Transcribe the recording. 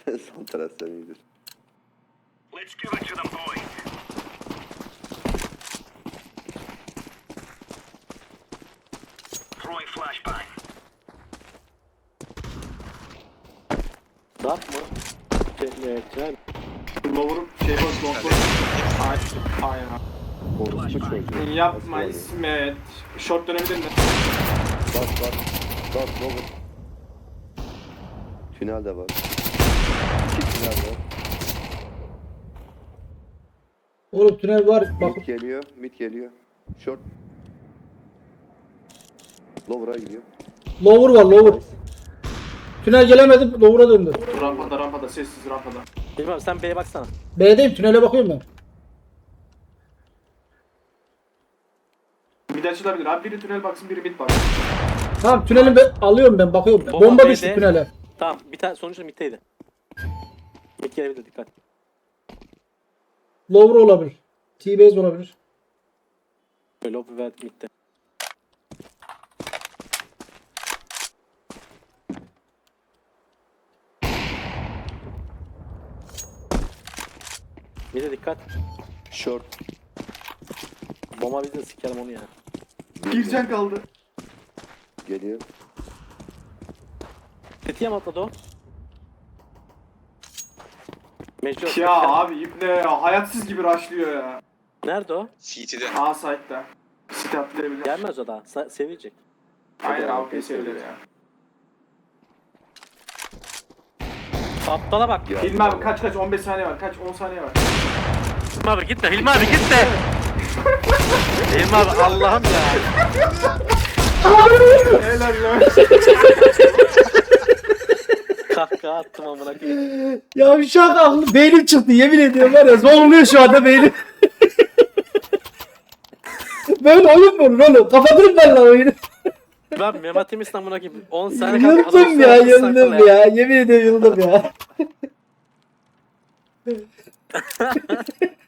Son taraf sen iyidir. Let's give it to them, boys. Throwing flashbang. Dark mı? Tünel mi? Lower'ım şey bas kontrol. Aynen. Orospu çocuğu. Yapma Nasıl İsmet. Short dönebilir mi? Bas bas. Bas baba. Tünel de var. İki tünel var. Oğlum tünel var. Bak Mid geliyor. Mid geliyor. Short. Lower'a gidiyor. lower var lower. Tünel gelemedim lower'a döndü. Rampada sessiz rampada. Bilmem sen B'ye baksana. B'deyim tünele bakıyorum ben. Mid açılabilir abi, biri tünel baksın biri mid baksın. Tamam tüneli alıyorum ben bakıyorum. Bomba Bomba B'de. düştü tünele. Tamam bir tane sonuçta middeydi. Mid gelebilir dikkat. Lower olabilir. T-base olabilir. Böyle lob ve midde. Mid'e dikkat. Short. Bomba bizde sikerim onu ya. Bir can kaldı. Geliyor. Tetiğe mi atladı o? Mecbur. Ya abi ibne ya, hayatsız gibi rushlıyor ya. Nerede o? CT'de. A site'da. Site atlayabilir. Gelmez o daha. Sevecek. Aynen AWP sevilir ya. Aptala bak. Ya, Hilmi abi kaç 15 saniye var, kaç 10 saniye var. Hilmi abi gitme. Hilmi abi gitme. Hilmi abi Allah'ım ya. Helal lan. Kahkaha attım amına koyayım. Ya şu an aklım beynim çıktı yemin ediyorum var ya zorluyor şu anda beynim. Böyle oyun mu olur oğlum? Kapatırım ben lan oyunu. Ben Mehmet Emis'ten amına koyayım. 10 saniye kaldı. Yıldım ya yıldım ya. Yemin ediyorum yıldım ya.